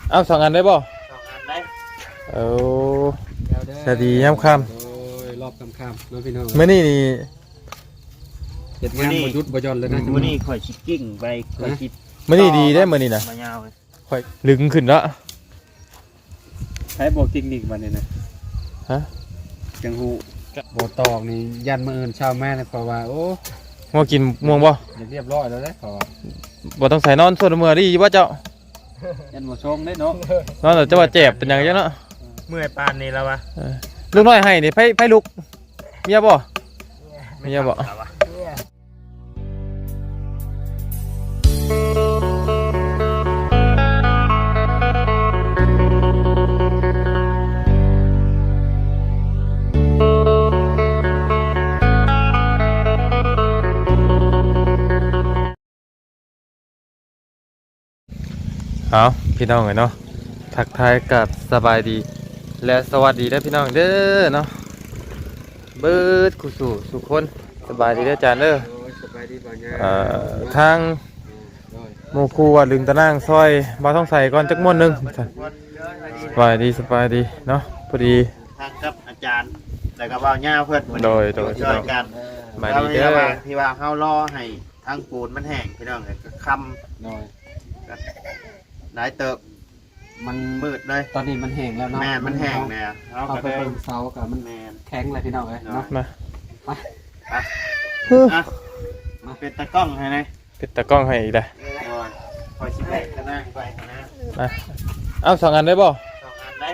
เอา2 อันได้บ่ 2 อันได้เอาสวัสดียามค่ำโอ้ยรอบค่ำๆน้องพี่น้องมื้อนี้นี่เฮ็ดงานบ่หยุดบ่หย่อนเลยนะมื้อนี้ข่อยสิกิ้งไปข่อยสิมื้อนี้ดีได้มื้อนี้น่ะมายาวเลยค่อยลึงขึ้นแล้วใช้บ่เทคนิคบัดนี้นะฮะจังฮู้บ่ตอกนี่ยันมื้ออื่นเช้าแม่เลยเพราะว่าโอ้ง่วงกินม่วงบ่เรียบร้อยแล้วเด้เพราะว่าบ่ต้องใส่นอนส่วนมื้อดีอยู่บ่เจ้ายันบ่ชงได้เนาะนอนแล้วจะว่าเจ็บเป็นหยังจังเนาะเมื่อยปานนี้แล้ววะลูกน้อยให้นี่ไผลุกเมียบ่เมียบ่เอาพี่น้องเนาะทักทายกับสบายดีและสวัสดีได้พี่น้องเด้อเนาะเบิดกุสู่สุขคนสบายดีเด้อจานเด้อโอ้ยสบายดีบ่เนี่ยทางหมู่ครูว่าลึงตะนางซอยบ่ต้องใส่ก่อนจักม่วนหนึงสบายดีเนาะพอดีทางกับอาจารย์แล้วก็เว้าย่าเพิ่นโดยช่วยกันสบายดีเด้อที่ว่าเฮารอให้ทางปูนมันแห้งพี่น้องก็ค่ำน้อยหลายเติบมันมืดเลยตอนนี้มันแห้งแล้วเนาะแม่นมันแห้งแล้วเราเอาก็ไปได้เบิ่งเสากับมันแม่นแข็งเลยพี่น้องเอ้ยเนาะมาอ่ะมาเป็นตะกล้องให้เลยปิดตะกล้องให้อีกเด้อคอยชิมให้กันนะไปกันนะมาเอา2 อันได้บ่ 2 อันได้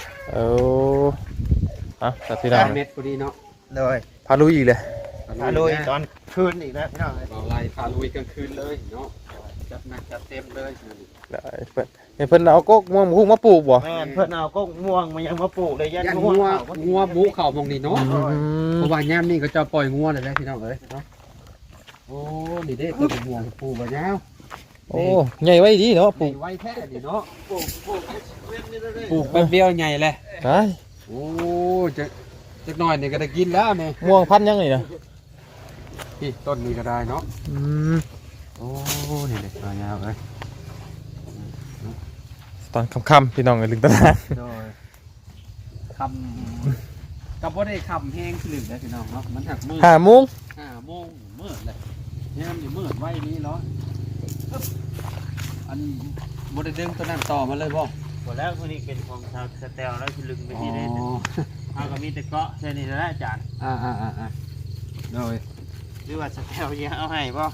เอาตัดพี่น้องเม็ดพอดีเนาะเลยพาลุยอีกเลยมาลุยตอนคืนอีกแล้วพี่น้องเราไล่พาลุยกลางคืนเลยเนาะจัดหนักจัดเต็มเลยได้เพิ่นเอากกม่วงพุ่งมาปลูกบ่แม่เพื่อนเอาก็ม่วงมายังมาปลูกเลยยันยันม่วงงัวหมูเข่ามองนี่เนาะเพราะว่าย่ามนี่ก็จะปล่อยงัวเลยนะพี่น้องเอ้ยเนาะโอ้นี่เด้ตัวม่วงปูบ่ยาวโอ้ใหญ่ไว้ดีเนาะปลูกไว้แท้ดิเนาะปลูกแป๊บเดียวใหญ่เลยได้โอ้จะหน่อยนี่ก็ได้กินแล้วนี่ม่วงพันธุ์ยังนี่นะพี่ต้นนี้ก็ได้เนาะอืมโอ้นี่เด็กตัวยาวเลยตอนค่ำๆพี่น้องกันลึงตะนางโดยคำกับว่าได้คำแห้งขึ้นเลยพี่น้องเนาะมันหักมือ 5 โมง 5 โมงมืดเลยเนี่ยมันอยู่มืดไว้นี้เนาะอันบไดดึงตัวนั้นต่อมาเลยบ่หมดแล้วคนนี้เป็นของชาวสเตลแล้วที่ลึงไปที่นี่เอาก็มีแต่เกาะแค่นี้แล้วอาจารย์โดยหรือว่าสเตลยังเอาให้ป่ะ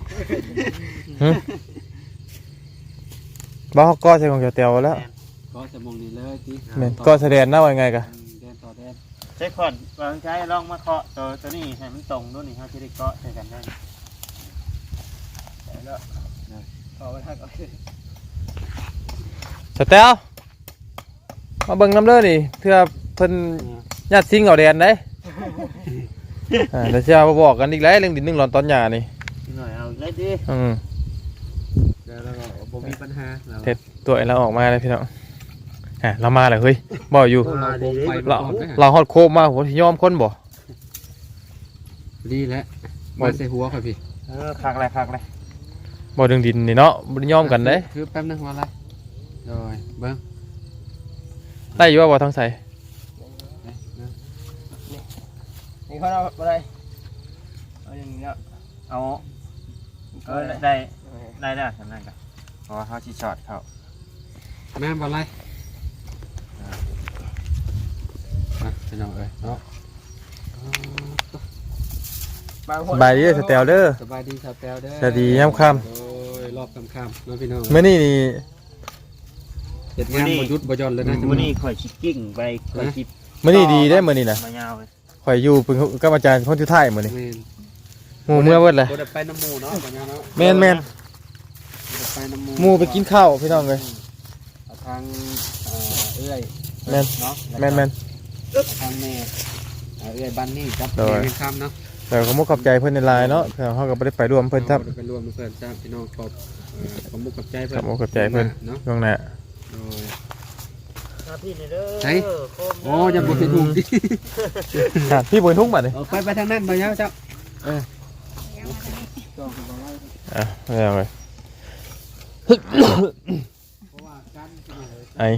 บ่ฮอกก็ใส่ของเตียวแล้วก็จะมองนี่เลยที่แม่นก็แสดงหน้าว่าไงกะแดนต่อแดนใช้ขอนวางใช้ลองมาเคาะตัวนี้ให้มันตรงด้วยนี่เขาจะได้เกาะใส่กันได้แล้วเอาไปทักเอาสเตลมาเบิ่งน้ำเด้อนี่เพื่อเพิ่นญาติซิงเอาแดนได้เดี๋ยวจะมาบอกกันอีกแล้วเรื่องดิน1 หลอนตอนหญ้านี่หน่อยเอาเลยดิแล้วก็บ่มีปัญหาเราเท็ดตัวเราออกมาเลยพี่น้องเรามาเลยเฮ้ยบ่อยู่เราฮอดโคมมาผมยอมคนบ่ดีแล้วมาใส่หัวค่ะพี่คักเลยบ่เรื่องดินนี่เนาะบ่ได้ยอมกันเด้คือแป๊บนึงว่าอะไรโดยเบิ้งได้อยู่ว่าบ่ทางใส่นี่เขาเอาอะไรเอาอย่างนี้เอาได้สำนักกันเพราะว่าเขาชีช็อตเขาแม่บ่อะไรพี่น้องเอ้ยเนาะสบายดีเด้อสเตลเด้อสบายดีชาวแปลวเด้อสวัสดียามค่ำโอ้ยรอบค่ำๆน้องพี่น้องมื้อนี้นี่เฮ็ดงานบ่หยุดบ่หย่อนเลยนะมื้อนี้ข่อยชิกิ้งไปข่อยชิมื้อนี้ดีได้อมื้อนี้น่ะมายาวเลยข่อยอยู่เป็นกับอาจารย์คนสุดท้ายมื้อนี้แม่นหมู่เมื่อเบิดเลยบ่ได้ไปน้ำหมู่เนาะบ่ยาวเนาะแม่นบ่ได้ไปน้ำหมู่หมู่ไปกินข้าวพี่น้องเอ้ยเอาทางเอื้อยแม่นเนาะแม่นทางแม่เอื้อยบ้านนี่ครับโดยแม่ค่ำเนาะแต่ขอมุกขอบใจเพิ่นในไลน์เนาะเพื่อเฮาก็บ่ได้ไปร่วมเพิ่นครับไปรวมเพื่อนจ้าพี่น้องขอบมุกกับใจเพื่ขออน บมุกขอบใจเพิ่นเนาะล่วงหน้าโดยพี่นี่เด้อไหน โอ้ยังบ่เห็นหุงดิพี่บ่ทุ่งบัดนี่ไปทางนั้นบ่ยาวเจ้าไม่เอาเลยเพราะว่าการไอ้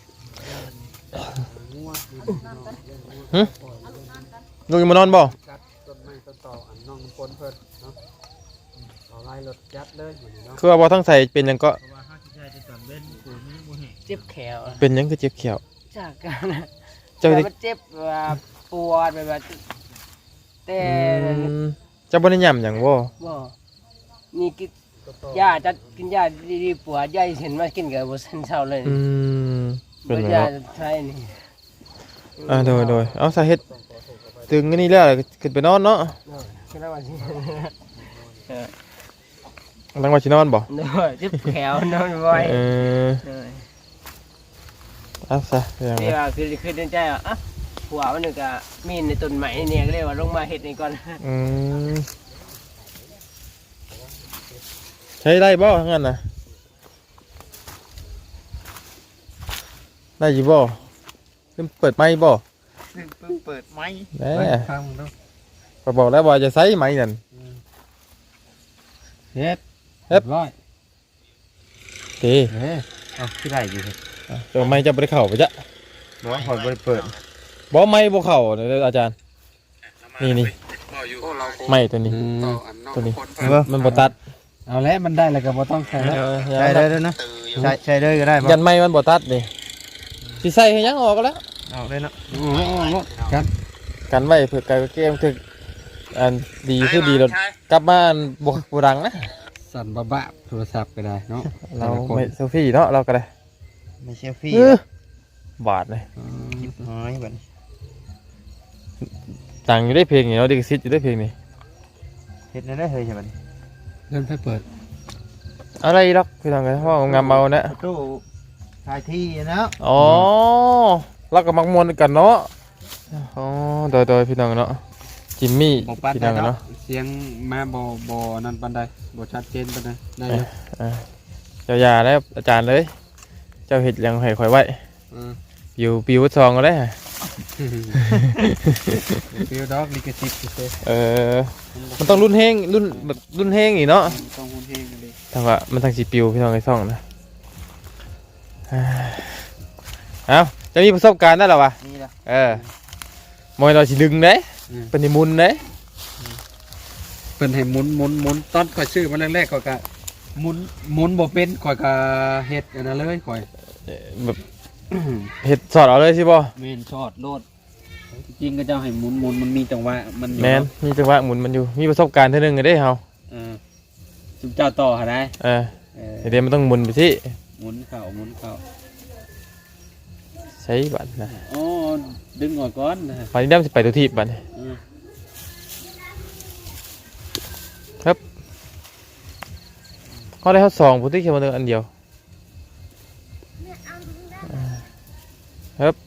ลูกยังมานอนบ่จัดต้นไม้ต้นต่ออันน้องน้ำฝนเพิ่นเนาะเอาไล่รถยัดเลยเหมือนเนาะคือว่าบ่ทั้งใส่เป็นหยังก็เพราะว่าห้าสิบใช่จะจำเป็นกูไม่รู้แห่งเจ็บแขวเป็นหยังคือเจ็บเขียวจากกันนะเจ้าแต่ได้มันเจ็บแบบปวดแบบแต่เจ้าบ่ได้ย่ำหยังบ่บ่นี่กินยาจะกินยาดีๆปวดยาเห็นมากินกับบ่ทันเช้าเลยเป็นบ่หยังยาเนาะไทยนี่โดยเอาสาเหตุตึงอันนี้แล้วขึ้นไปนอนเนาะคือแล้วว่าสิตั้งว่าสินอนบ่เด้อเจ็บแขวนอนบ่อยเออเด้อเอาซะอย่างนี่นั้นว่าคือในใจว่าอ่ะผัวมันนึกก็มีในต้นไม้เนี่ยก็เลยว่าลงมาเฮ็ดนี่ก่อนใช้ได้บ่งั้นน่ะได้อยู่บ่เพิ่นเปิดไมค์บ่เพิ่งเปิดไม้แหน่ฟังมึงดูก็บอกแล้วว่าจะใช้ไมค์นั่นเฮ็ดเฮ็ดร้อยเด้เฮ้ยเอาที่ไรอยู่เฮ้ยเดี๋ยวไมค์จะบ่ได้เข้าไปจ้ะน้องคอยเปิดบ่ไมค์บ่เข้าเด้ออาจารย์นี่ไมค์ตัวนี้ ตัวนี้มันบ่ตัดเอาแล้วมันได้แล้วก็บ่ต้องใช้แล้วใช้ได้ด้วยนะใช้ได้ก็ได้ยันไม้มันบ่ตัดนี่สิใส่ให้ยังออกก็แล้วเอาได้เนาะโอ้โหครับกันไว้เพื่อการเกมถึกอันดีคือดีรถกลับมาอันบ่ดังนะสั่นบ้าๆโทรศัพท์ก็ได้เนาะเราไม่เซลฟี่เนาะเราก็ได้ไม่เชื่อพี่บาทเลยน้อยแบบตังอยู่ได้เพลงนี่เนาะดิกซิตอยู่ได้เพลงนี่เฮ็ดได้เลยใช่ไหมเริ่มไปเปิดอะไรหรอกพี่น้องกันห้องงามเมานะตู้ทายที่นะอ๋อเราก็มักมวนกันเนาะอ๋อโดยพี่น้องเนาะจิมมี่บ่ปัดพี่ได้น้องเนาะเนาะเสียงมาบ่นั่นปานใดบ่ชัดเจนปานใดได้อยู่เจ้าอย่าแล้วอาจารย์เลย เจ้าเห็ดยังให้ข่อยไว้อือปิววัดซองก็ได้ฟิวดอกลิขสิทธิ์เซ่มันต้องรุ่นเฮงรุ่นแบบรุ่นเฮงอีกเนาะต้องฮู้เพลงกันดิทางว่ามันทางสีปิวพี่น้องไอ้ซ่องนะเอ้าจะมีประสบการณ์ได้หรอวะนี่ละมอยเราสิดึงเด้เป็นนิมุนเด้เพิ่นให้หมุนตอนข่อยชื่อมาแรกๆข่อยก็หมุนบ่เป็นข่อยก็เฮ็ดอันนั้นเลยข่อยแบบเห็ดสอดเอาเลยสิบ่แม่นช็อตโลดจริงก็เจ้าให้หมุนมันมีจังหวะมันอยู่แมนมีจังหวะหมุนมันอยู่มีประสบการณ์เท่านึงก็ได้เฮาจุ๊บเจ้าต่อหาได้เดี๋ยวมันต้องหมุนไปสิหมุนเข้าใช้บัตรนะอ๋อดึงออกก่อนนะไปนี่ได้สิไปตัวทีบบัตรเขาได้เขา2ผู้ที่เขียนมาอันเดียวครับ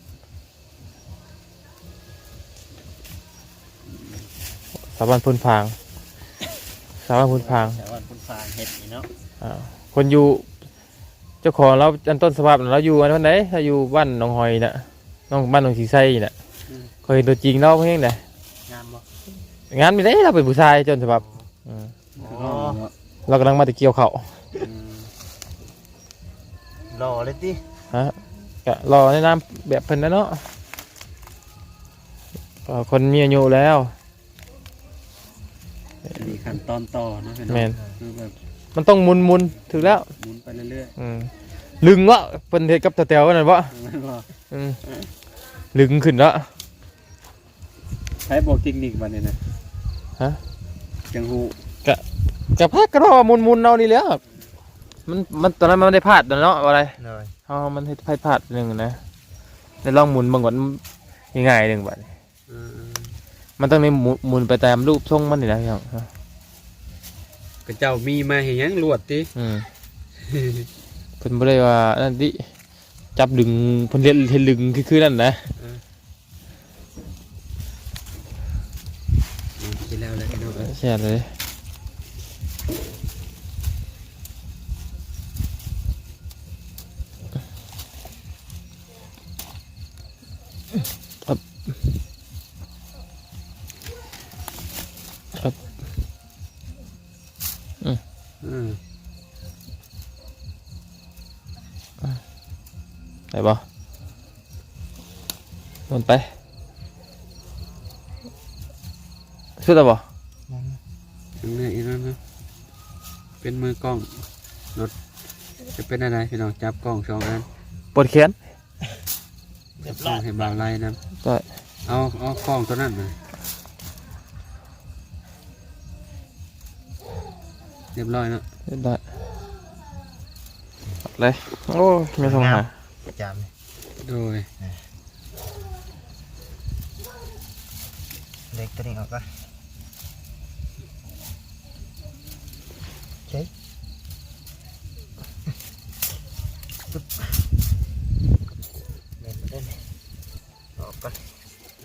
สาบานพุนพางสาบานพุนพางแต่ว่าคุณฟางเฮ็ดนี่เนาะคนอยู่เจ้าของเราอันต้นสภาพเราอยู่อันวันไหนเราอยู่บ้านหนองหอยน่ะบ้านหนองสีไส้น่ะเคยเห็นตัวจริงเราเพียงไหนงามบ่งานไม่ได้เราเป็นผู้ชายจนสภาพอ๋อเรากำลังมาตะเกียวเขาหล่อเลยติฮะก็รอในน้ำแบบเพิ่นนะเนาะก็คนมีอายุแล้วมีขั้นตอนต่อเนาะแมนคือแบบมันต้องหมุนถึงแล้วหมุนไปเรื่อยลึงวะเพิ่นเฮ็ดกับตะเตียวนั่นวะๆมันบ่ลึงขึ้นแล้วใช้บอกเทคนิคบัดนี้นะฮะจังฮู้กะพักก็รอหมุนเอานี่แหล้วมันตอนนั้นมันไม่ได้พลาดเนาะอะไรเลยมันเฮ็ดพลาดหนึงนะได้ลองหมุนบางก่อนง่ายๆหนึงบัดนี้มันต้องในหมุนไปตามรูปทรงมันนี่นะพี่น้องก็เจ้ามีมาเฮ็ดหยังลวดติเพิ่นบ่ได้ว่านั่นดิจับดึงเพิ่นเฮ็ดลึงคือนั่นนะสิแล้วแหละพี่น้องเอ้ยแช่เลยครับอืมบ่มันไปสุดแล้วบ่ยังไงอีกแล้วนะเป็นมือกล้องรถจะเป็นอะไรพี่น้องจับกล้อง2อันปวดแขนจับกล้องให้บ่าวไล่นะได้เอากล้องตัวนั้นมาเรียบร้อยเนาะได้เลยโอ้ยไม่ต้องหาจามโดยเล็กตัวนี้ออกก่อนเล่นมาเล่นออกก่อนเอา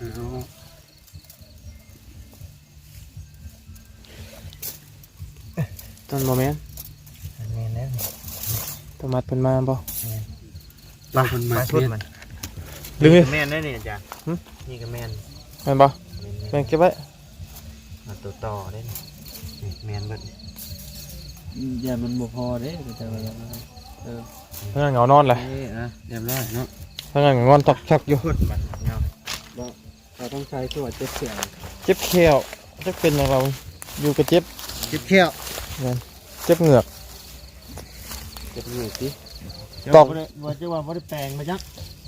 ต้นโมเมนต์อันนี้นะต้นมัดเป็นมาบ่บางคนมาชุดเมียนมันดึงเลยแม่นได้นี่จ้ะนี่ก็แม่นแม่นบ่แม่นเก็บไว้มาตัวต่อได้นี่แม่นเบิดอย่ามันบ่พอเด้แต่ว่าเออพนักงานเหงานอนเลยเรียบร้อยเนาะพนักงานงอนตอกชักอยู่ชุดมันเนาะเราต้องใช้ตัวเจ็บเสียงเจ็บแขวจะเป็นอย่างเราอยู่กับเจ็บคิดเที่ยวเจ็บเหงือกเจ็บเหนื่อยสิตอกว่าจะว่าบ่ได้แปลงมาจัก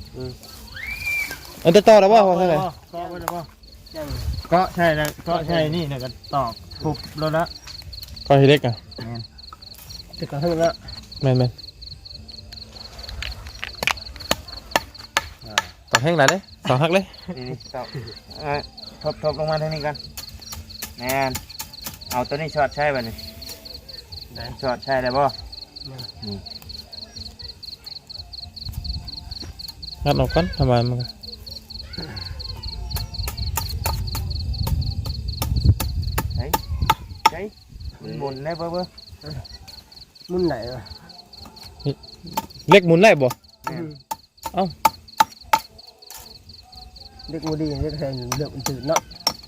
อันจะต่อแล้วบ่ว่าเท่าไหร่ก็บ่ได้บ่ก็ใช่แล้วก็ใช่นี่เนี่ยก็ตอกทุบแล้วละก็ให้เล็กอ่ะแต่ก็ถึงแล้วแม่นตอกแห้งหน่อยเด้ตอกหักเลยนี่ตอกทบลงมาทางนี้กันแม่นเอาตัวนี้ช็อตใช่ป่ะนี่ได้ช็อตใช่ได้บ่งัดออกก่อนทำไมมันก็ใช่มันหมุนได้เบ้อมุ่นไหนวะเล็กหมุนได้บ่เด็กบ่ดีเด็กแทนเลือกมันตื่นเนาะ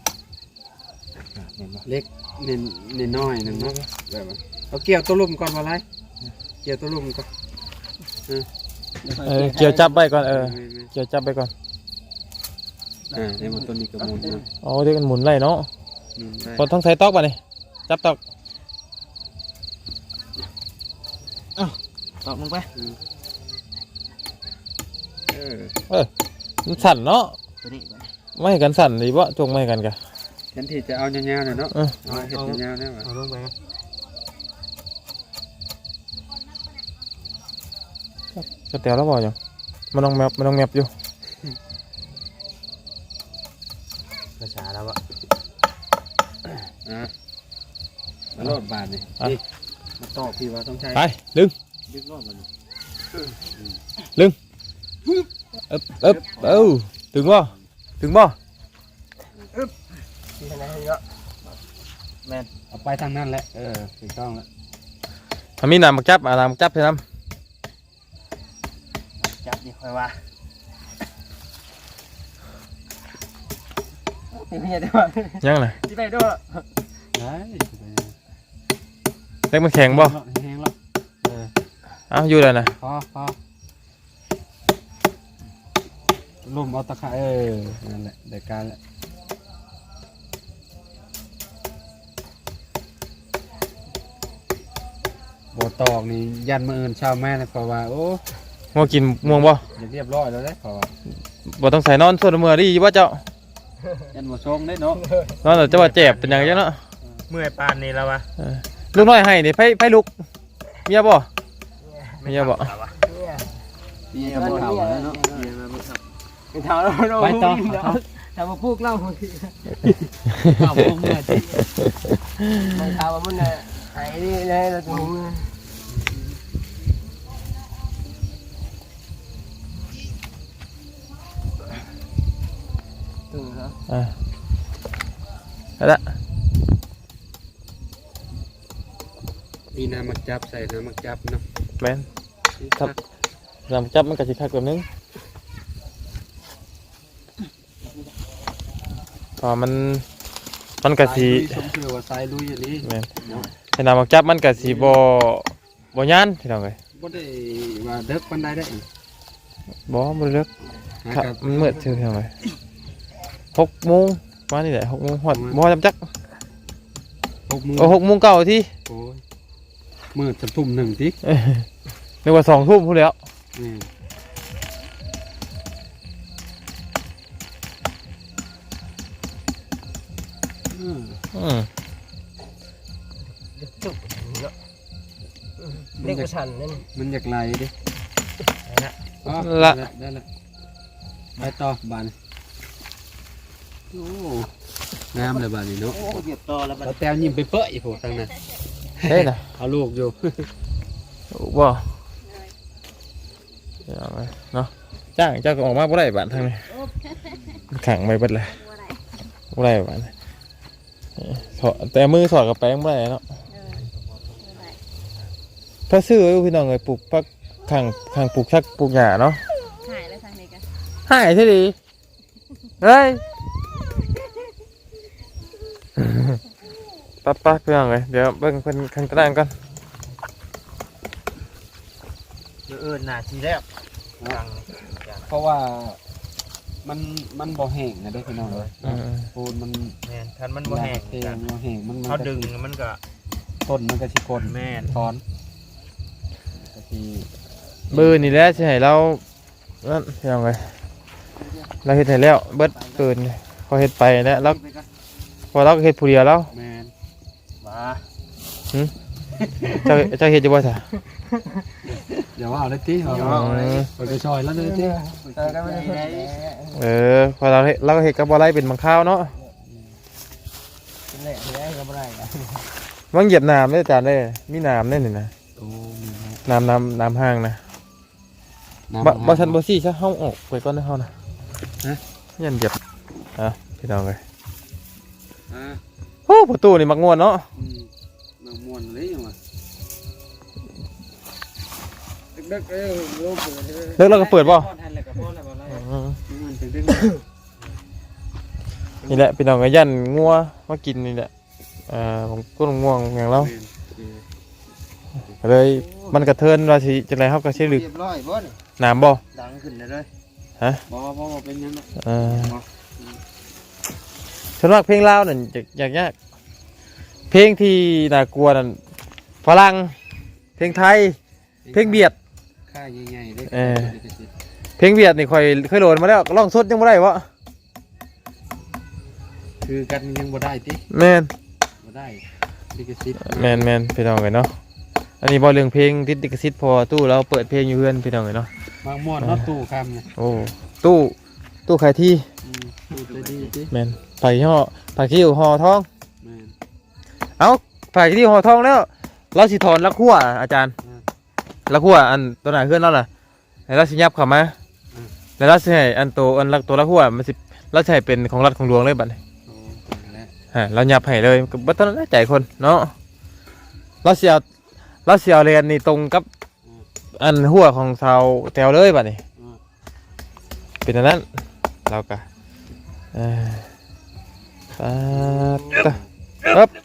เล็กเน้นน้อยหนึ่งเนาะแบบว่าเอาเกี่ยวตัวลุ่มก่อนมาไล่เกี่ยวตัวลุ่มก่อนเกี่ยวจับไว้ก่อนเกี่ยวจับไว้ก่อนในบนต้นนี้ก็มุนนะอ๋อเด็กมันหมุนไล่เนาะมุนได้พอต้องใส่ตอกป่ะนี่จับตอกตอกลงไปมันสั่นเนาะตัวนี้ไม่ให้กันสั่นดีบ่จงไม่ให้กันกะฉันที่จะเอาเงี้ยๆหน่อยเนาะเออเอาเห็ดเงี้ยๆเนี่ยว่ะเอาลงไปจะเตียวแล้วบ่ยังมันต้องแมปอยู่ภาษาแล้วอะมาโลดบาทนี่นี่มาต่อพี่ว่าต้องใช้ไปดึงดึกรอบมันเอ๊บถึงบ่ที่ไหนเนาะเอาไปทางนั้นแหละถูกต้องแล้วถ้ามีน้ำมักจับน้ำมักจับใช่น้จับนี่ค่อยว่านี่พี่ได้ว่าำยังไงที่ได้ด้วยได้เล็กมันแข็งบ่แห้งแล้วเอ้าอยู่เลยนะพอลุ่มเอาตะไคร้นั่นแหละเด็กการแหละบ่ตอกนี่ยันมืออื่นชาวแม่เลยเพราะว่าโอ้งัวกินม่วงบ่เรียบร้อยแล้วได้เพราะว่าบ่ต้องใส่นอนส่วนมือดีบ่เจ้ายันบ่ชงได้เนาะนอนแล้วจะว่าเจ็บเป็นหยังจังเนาะเมื่อยปานนี้แล้ววะลูกน้อยให้นี่ไผลุกเมียบ่เมียบ่นี่ก็บ่เท่าแล้วเนาะเป็นเท้าแล้วไปต่อถ้ามาพูกเล่าคนที่ข้าวพวกเมื่อที่ไม่เท้าว่ามันหายนี่เลยเราตรงนี้ตื่นแล้วเอาละมีน้ำมักจับใส่น้ำมักจับเนาะแม่นน้ำมักจับมันก็สิคักแบบนึงพอมันก็สิชมเชื่อว่าสายลุยอย่างนี้แม่นให้น้ำมักจับมันก็สิบ่ย่านพี่น้องเอ้ยบ่ได้ว่าเด็กปานใดได้บ่บ่เลิกหาครับกับมันมืดเชื่อทำไม6 โมงมานี่แหละ6 โมงฮอดบ่จำจัก 6 โมง 6 โมงเก่าที่โอ้ยมืดจะทุ่มหนึ่งทีนึกว่า2 ทุ่มพูดแล้วนี่อืมอืมจุกเนาะเรียกว่าชันนั่นมันอยากไหลดินะอ๋อละได้ละไปต่อบานโอ้งามเลยบานนี้เนาะโอ้เหยียบต่อแล้วมันเราแต้วยิ้มไปเปื่อยโผล่ทางนั้นเฮ้ยนะเอาลูกอยู่บ่เอาไว้เนาะจ้างเจ้าก็ออกมาบ่ได้บ้านทางนี้ขังไปเบิดเลยบ่ได้บ้านถอดแต่มือสอดกับแป้งบ่ได้เนาะถ้าซื้อไว้พี่น้องเลยปลูกพักข้างปลูกชักปลูกหญ้าเนาะหายแล้วทางนี้กันหายใช่ดิเฮ้ยปั๊บพี่น้องเลยเดี๋ยวเบิ่งเพิ่นข้างตารางก่อนหน้าทีแล้วเพราะว่ามันบ่แห้งนะเด้อพี่น้องเลยอืมปูนมันแม่นคันมันบ่แห้งเตียงบ่แห้งมันเขาดึงมันก็ต้นมันก็สิกลแม่นถอนก็สิเบอร์นี่แหละสิให้เรานั่นพี่น้องเลยเราเฮ็ดให้แล้วเบิดเกินเขาเฮ็ดไปแล้วเราพอเราก็เฮ็ดผู้เดียวแล้วแม่นมาเจ้าเฮ็ดอยู่บ่ซะอย่าว่าเอาเลยติเอา ไปกระชอยแล้วเลยติก็ไม่ได้พอเราก็เฮ็ดกับบ่ไรเป็นบางคราวเนาะเป็นแหล่ไม่ได้ก็ไม่ได้มันเหยียบน้ำเด้ออาจารย์เด้อมีน้ำแน่นี่นะโอ้มีนะน้ำห้างนะน้ำบ่ทันบ่ซี่ซะเฮาออกไปก่อนนะเฮานะฮะยันเหยียบพี่น้องเอ้ยอ่าโอ้ประตูนี่มักม่วนเนาะมันม่วนเลยยังวะดึกๆลูกเเลิกแล้วก็เปิดบ่ทันแล้วก็พอแล้วบ่ไรอืมมันดึงนี่แหละพี่น้องก็ยันงัวมากินนี่แหละผมก็ง่วงอย่างเราก็เลยมันกระเทินว่าสิจังไดเฮาก็สิลึกเรียบร้อยบ่นี่น้ำบ่ดังขึ้นเลยบ่เป็นยังไงส่วนมากเพลงลาวนั่นยากเพลงที่น่ากลัวนั่นฝรั่งเพลงไทยเพลงเบียดค่าใหญ่ๆเลยเพลงเบียดนี่ค่อยเคยโหลดมาแล้วร้องสดยังบ่ได้วะคือกันยังบ่ได้ติแม่นบ่ได้ลิขสิทธิ์แม่นพี่น้องเอ้ยเนาะอันนี้บ่เรื่องเพลงติดลิขสิทธิ์พอตู้เราเปิดเพลงอยู่เพื่อนพี่น้องเอ้ยเนาะบางม่วนเนาะตู้คำเนี่ยโอ้ตู้ขายที่ตู้จะดีติแม่นผักขี้ห่อทองแม่นเอ้าผักขี้ห่อทองแล้วเราสิถอนละขั้วอาจารย์ละขั้วอันตัวไหนเพื่อนเราล่ะให้เราสิยับเข้ามาแล้วเราสิให้อันตัวละขั้วมันสิเราสิให้เป็นของรัฐของหลวงเลยบัดนี้โอ้แล้วเรายับให้เลยก็บ่ต้องใจคนเนาะเราสิเอาเรียนนี่ตรงกับอันหัวของชาวแถวเลยบัดนี้เป็นอันนั้นเราก็ปั๊บ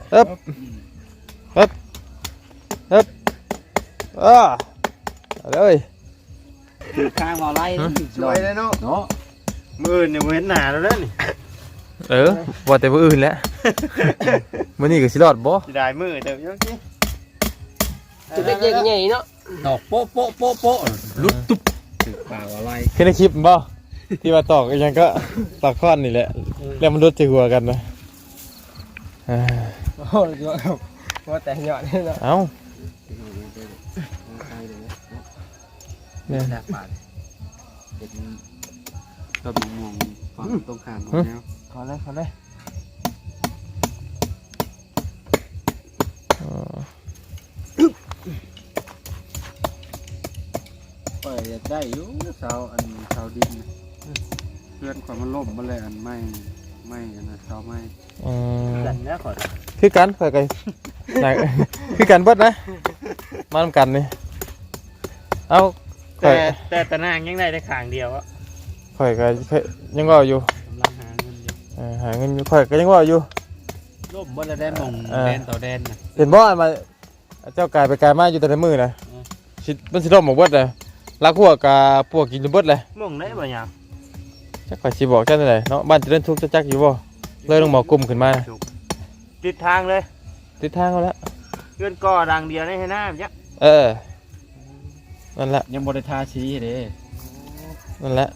เอาเลยคือข้างบ่ไรสวยเลยเนาะเนาะมือเนี่ยเห็นหน้าแล้วนี่ว่าแต่ผู้อื่นแล้วมื้อนี้ก็สิรอดบ่สิได้มือเดี๋ยวยังสิจะได้เยอะใหญ่เนาะดอกโป๊ะโป๊ะโป๊ะโป๊ะลุดตุ๊บคือป่าวอะไรเห็นในคลิปบ่ที่ว่าตอกอีหยังก็ตอกค้อนนี่แหละแล้วมันรุดใส่หัวกันนะโอ้โหเยอะครับว่าแต่เหยาะนี่เนาะเอ้าเนี่ยแลกบาทเป็นก็มีม่วงฝั่งตรงข้ามของแนวขอเลยเปิดได้อยู่เสาอันเสาดินเพื่อนความมันล่มมาเลยอันไม่อันนะเสาไม่ดันแล้วขอคือกันข่อยกันคือกันเบิดนะมานำกันนี่เอ้าข่อยแต่ตะนางยังได้ขางเดียวอะข่อยก็ยังว่าอยู่กำลังหาเงินอยู่หาเงินอยู่ข่อยก็ยังว่าอยู่ล่มบ่ได้มองแดนต่อแดนนะเห็นบ่อันมาเจ้ากายไปกายมาอยู่แต่ในมือนะมันสิล่มหมดเบิดเลยลักหัวกับพวกกินจนเบิดเลยมุ่งได้บ่ยามจักไปสิบอกจังได๋เนาะบ้านเจริญทุกข์จักอยู่บ่เลยต้องหมอกลุ่มขึ้นมาติดทางเลยติดทางเอาแล้วเพื่อนก่อดังเดียวได้ให้หน้าจ้ะนั่นแหละยังบ่ได้ทาสีเด้นั่นแหละ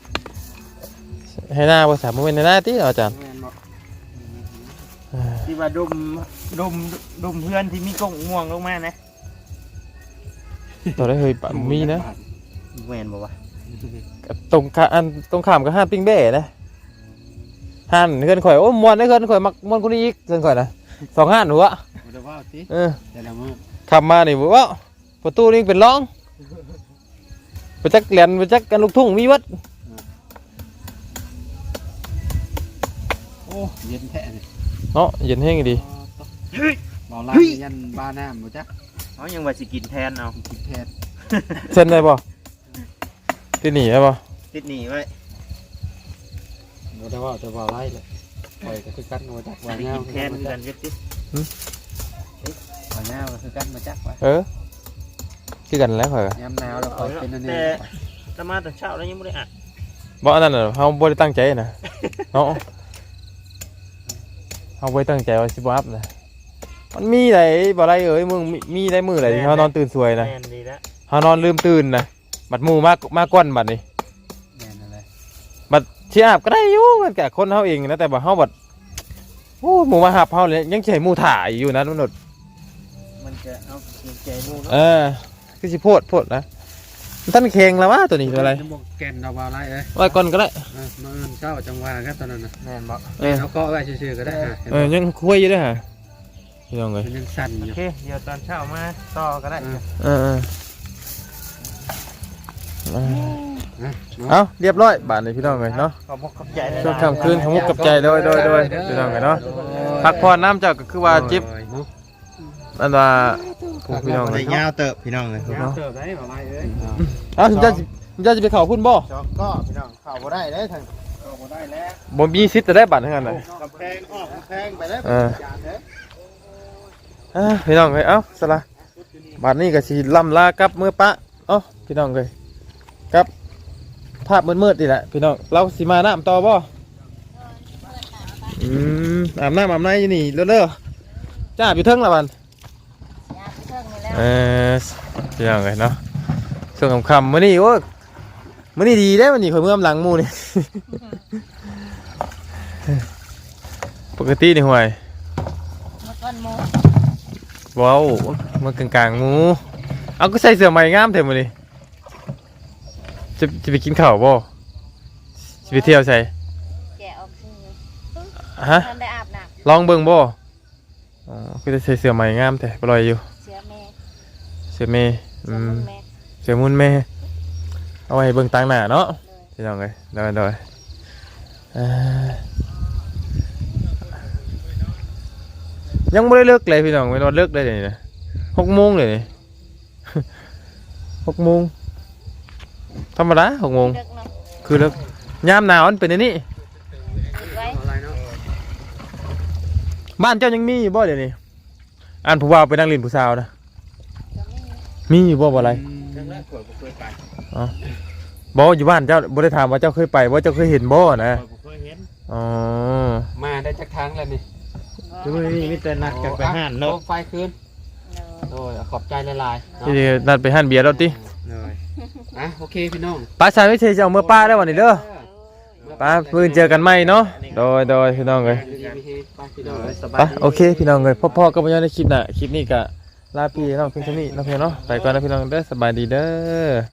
ให้หน้าบ่สามมื้อในหน้าติอาจารย์แม่นบ่ที่ว่าดมเพื่อนที่มีกงง่วงลงมานะตัวได้เฮ้ยปะมีนะแม่นบ่วะตรงข้ามกับห้านปิ้งเบ้นะห้านเฮือนข่อยโอ้ม่วนได้เฮือนข่อยมักม่วนคนนี้อีกเฮือนข่อยนะ2ห้านหัวบ่ได้ว่าติ แต่ละมื้อขับมานี่บ่ว่าประตูนี่เป็นร่องไปจักแหลนไปจักกันลูกทุ่งมีวัดโอ้เย็นแท้นี่เนาะเย็นแห้งดีบ่ลายันบ้าน้ำบ่จักเขายังว่าสิกินแทนเอากินแทนเส้นได้บ่ที่นี่ได้บ่ติดหนีไว้บ่ได้ว่าแต่ว่าไรเลยปล่อยก็คือกันบ่จักว่าสิแนวกินแทนกันเฮ็ดติว่าแนวก็คือกันบ่จักว่าคือกันแล้วข่อยก็ยามหนาวแล้วค่อยเป็นอันนี้แต่ตะมาแต่เช้าแล้วยังบ่ได้อัดบ่อันนั้นน่ะเฮาบ่ได้ตั้งใจนะเนาะเฮาบ่ได้ตั้งใจว่าสิบ่อัพนะมันมีไหนบ่ไรเอ้ยมึงมีได้มื้อไหนที่เฮานอนตื่นสวยนะแม่นดีแล้วเฮานอนลืมตื่นนะบัดหมู่มาก้อนบัดนี้แม่นอะไรบัดสิอาบก็ได้อยู่มันก็คนเฮาเองนะแต่ว่าเฮาบัดโอ้หมู่มาหับเฮาเลยยังสิให้หมู่ถ่ายอยู่นะมนุษย์มันจะเอาเกรงใจหมู่เนาะคือสิโพดนะมันท่านเคงแล้ววะตัวนี้ตัวอะไรบ่แก่นดอกว่าไรเอ้ยไว้ก่อนก็ได้มื้ออื่นเช้าจังหวะกันตอนนั้นน่ะแม่นบ่เอาเกาะไว้ซื่อๆก็ได้ฮะยังคุยอยู่ด้วยฮะพี่น้องเลยมันยังสั่นอโอยู่ เคเดี๋ยวตอนเช้ามาต่อก็ได้เอ้าเรียบร้อยบาทเลยพี่น้องเลยเนาะขอบคุณขอบใจเลยช่วงค่ำคืนของมุกกับใจโดยพี่น้องเลยเนาะพักผ่อนน้ำเจ้าก็คือว่าจิบอันว่าพี่น้องเลยยาวเติบพี่น้องเลยยาวเติบได้บ่ไรเอ้ยเอ้าคุณจะไปเข่าพุ่นบ่จอกก็พี่น้องเข้าบ่ได้เลยทางเข้าบ่ได้แล้วบ่มีสิทธิ์จะได้บัตรทั้งนั้นเลยกำแพงออกกำแพงไปแล้วพี่น้องเลยเอ้าสละบัตรนี้ก็สิล่ำลากับมือปะเอ้าพี่น้องเลยกับภาพมืดๆนี่แหละพี่น้องเราสิมาน้ำต่อบ่อาบน้ำอาบในอยู่นี่เร็วๆจ้าอยู่เทิงละบันพี่น้องเลยเนาะส่วนคำมื้อนี้โอ้มื้อนี้ดีได้มื้อนี้ข่อยเมื่อมหลังหมู่นี่ ปกตินี่ห่วยมาก่อนหมูว้าวมันกลางๆหมูเอาก็ใส่เสื้อใหม่งามแท้มื้อนี้จะไปกินข้าวบ่จะไปเที่ยวใส่แกะออกซื้อฮะท่านได้อาบน้ลองเบิ่งบ่อ๋อก็จะใส่เสื้อใหม่งามแท้บ่ลอยอยู่ำเสือแม่เสื้อเมย์เสือมุนแม่เสื้อมุนแม่เอาไว้เบิ่งต่างหน้าเนาะพี่น้องเอ้ยโดยยังไม่ได้เลิกเลยพี่น้องไม่รอเลิกได้เลยนะ6 โมงเลยนี่ 6 โมงธรรมดา6 โมงเด็กเนาะคือเลิกยามหนาวมันเป็นอันนี้ติดไว้อะไรเนาะบ้านเจ้ายังมีอยู่บ่เดี๋ยวนี้อันผู้ว่าไปนั่งเล่นผู้สาวนะจะไม่มีมีอยู่บ่อะไรจังแรกข่อยบ่เคยไปบ่อยู่บ้านเจ้าบ่ได้ถามว่าเจ้าเคยไปว่าเจ้าเคยเห็นบ่นะข่อยบ่เคยเห็นอ๋อมาได้จักทางแล้วนี่ดูนี่มีแต่นัดกันไปห้านเนาะไฟคืนเนอะโอ้ยขอบใจหลายๆที่นัดไปหั่นเบียร์แล้วติเลยอ่ะโอเคพี่น้องป้าชายวิเศษจะเอาเมื่อป้าได้วันนี้เด้อป้ามื้อเจอกันใหม่เนาะโดยพี่น้องเอ้ยดีๆมีเฮไปพี่น้องสบาไปยโอเคพี่น้องเอ้ยพ่อๆก็บ่ยังในคลิปน่ะคลิปนี้ก็ลาพี่น้องเพียงเท่านี้เนาะพี่น้องเนาะไปก่อนนะพี่น้องเด้อสบายดีเด้อ